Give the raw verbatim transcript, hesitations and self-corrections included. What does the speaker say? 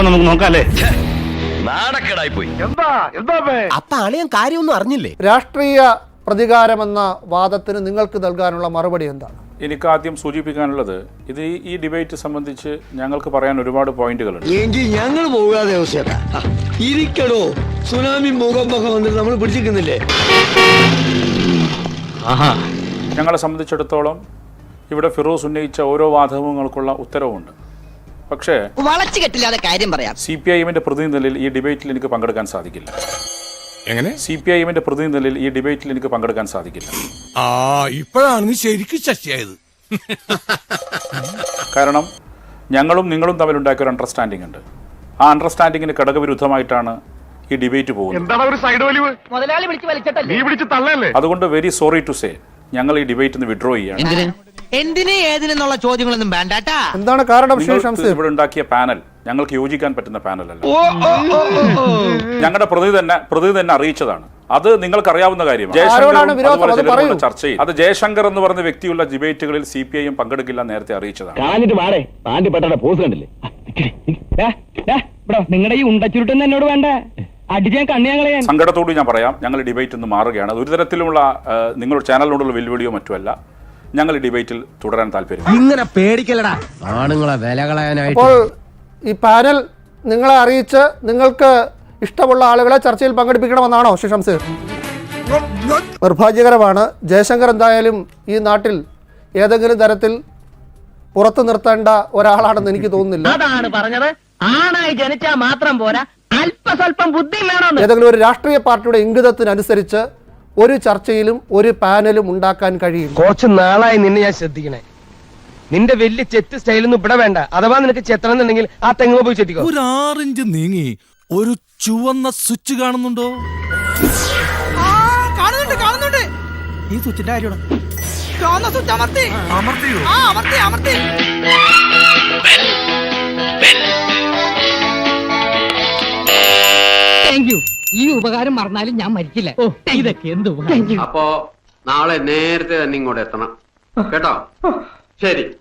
അപ്പൊ നമുക്ക് നോക്കാല്ലേ? നാടക്കേടായി പോയി. അപ്പൊ അളിയൻ കാര്യമൊന്നും അറിഞ്ഞില്ലേ? രാഷ്ട്രീയ പ്രതികാരമെന്ന വാദത്തിന് നിങ്ങൾക്ക് നൽകാനുള്ള മറുപടി എന്താണ്? എനിക്ക് ആദ്യം സൂചിപ്പിക്കാനുള്ളത്, ഇത് ഈ ഡിബേറ്റ് സംബന്ധിച്ച് ഞങ്ങൾക്ക് പറയാൻ ഒരുപാട് പോയിന്റുകളുണ്ട്. എങ്കിൽ ഞങ്ങൾ പോകാതെ ഇരിക്കടോ, സുനാമി ഭൂകമ്പൊക്കെ വന്നിട്ട് നമ്മൾ പിടിച്ചിരിക്കുന്നില്ലേ? ഞങ്ങളെ സംബന്ധിച്ചിടത്തോളം ഇവിടെ ഫിറോസ് ഉന്നയിച്ച ഓരോ വാദങ്ങൾക്കുള്ള ഉത്തരവുണ്ട്. പക്ഷേ സി പി ഐ എമ്മിന്റെ പ്രതിനിധി നിലയിൽ ഈ ഡിബേറ്റിൽ എനിക്ക് പങ്കെടുക്കാൻ സാധിക്കില്ല. എങ്ങനെ? സി പി ഐ എമ്മിന്റെ പ്രതിനിധി നിലയിൽ ഈ ഡിബേറ്റിൽ എനിക്ക് പങ്കെടുക്കാൻ സാധിക്കില്ല. ആ ഇപ്പോഴാണ് ശരിക്കും ശശിയായത്. കാരണം ഞങ്ങളും നിങ്ങളും തമ്മിൽ ഉണ്ടാക്കിയ ഒരു അണ്ടർസ്റ്റാൻഡിംഗ് ഉണ്ട്. ആ അണ്ടർസ്റ്റാൻഡിങ്ങിന് ഘടകവിരുദ്ധമായിട്ടാണ് ഈ ഡിബേറ്റ് പോകുന്നത്. അതുകൊണ്ട് വെരി സോറി ടു സേ, ഞങ്ങൾ ഈ ഡിബേറ്റ് വിഡ്രോ ചെയ്യാണ്. എന്തിന് ഏതിനെന്നുള്ള ചോദ്യങ്ങളൊന്നും വേണ്ടാട്ടാ. എന്താണ് കാരണം? ഇവിടെ ഉണ്ടാക്കിയ പാനൽ ഞങ്ങൾക്ക് യോജിക്കാൻ പറ്റുന്ന പാനലല്ല. ഞങ്ങളുടെ പ്രതി തന്നെ പ്രതി തന്നെ അറിയിച്ചതാണ്. അത് നിങ്ങൾക്ക് അറിയാവുന്ന കാര്യമാണ്. ജയശങ്കർ ചർച്ചയിൽ അത് ജയശങ്കർ എന്ന് പറഞ്ഞ വ്യക്തിയുള്ള ഡിബേറ്റുകളിൽ സി പി ഐ എം പങ്കെടുക്കില്ല നേരത്തെ അറിയിച്ചതാണ്. നിങ്ങളുടെ ഈ ഉണ്ടച്ചുരുട്ടെന്ന് എന്നോട് വേണ്ട, അടിച്ചാൻ കണ്ണിയാങ്ങളെ. സങ്കടത്തോട് ഞാൻ പറയാം, ഞങ്ങൾ ഡിബേറ്റ് ഒന്ന് മാറുകയാണ്. ഒരു തരത്തിലുള്ള നിങ്ങളുടെ ചാനലിനോടുള്ള വെല്ലുവിളിയോ മറ്റുമല്ല. ഞങ്ങൾ ഡിബേറ്റിൽ തുടരാൻ താല്പര്യം. ഇങ്ങനെ പേടിക്കലടാ ആണുങ്ങളെ വില കളയാനായിട്ട്. അപ്പോൾ ഈ പാനൽ നിങ്ങളെ അറിയിച്ച് നിങ്ങൾക്ക് ഇഷ്ടമുള്ള ആളുകളെ ചർച്ചയിൽ പങ്കെടുപ്പിക്കണമെന്നാണോ ശ്രീ ഷംസീർ? നിർഭാഗ്യകരമാണ്. ജയശങ്കർ എന്തായാലും ഈ നാട്ടിൽ ഏതെങ്കിലും തരത്തിൽ പുറത്തു നിർത്തേണ്ട ഒരാളാണെന്ന് എനിക്ക് തോന്നുന്നില്ല. അതാണ് പറഞ്ഞത്, ആണായി ജനിച്ചാൽ മാത്രം പോരാ, അല്പസ്വല്പം ബുദ്ധി വേണം. ഏതെങ്കിലും ഒരു രാഷ്ട്രീയ പാർട്ടിയുടെ ഇംഗിതത്തിനനുസരിച്ച് ഒരു ചർച്ചയിലും ഒരു പാനലും ഉണ്ടാക്കാൻ കഴിയും. കുറച്ച് നാളായി നിന്നെ ഞാൻ ശ്രദ്ധിക്കണേ. നിന്റെ വലിയ ചെത്ത് സ്റ്റൈലൊന്നും ഇവിടെ വേണ്ട. അഥവാ നിനക്ക് ചെത്തണമെന്നുണ്ടെങ്കിൽ ആ തെങ്ങ് പോയി ചെത്തിക്കോ. ഒരു ആറിഞ്ച് നീങ്ങി ഒരു ചുവന്ന സ്വിച്ച് കാണുന്നുണ്ടോ? കാണുന്നുണ്ട് കാണുന്നുണ്ട്. ഈ സ്വിച്ചിന്റെ കാര്യമാണ്. ഈ ഉപകാരം മറന്നാലും ഞാൻ മരിക്കില്ല. ഇതൊക്കെ എന്ത് അപ്പോ നാളെ നേരത്തെ തന്നെ ഇങ്ങോട്ട് എത്തണം കേട്ടോ. ശരി.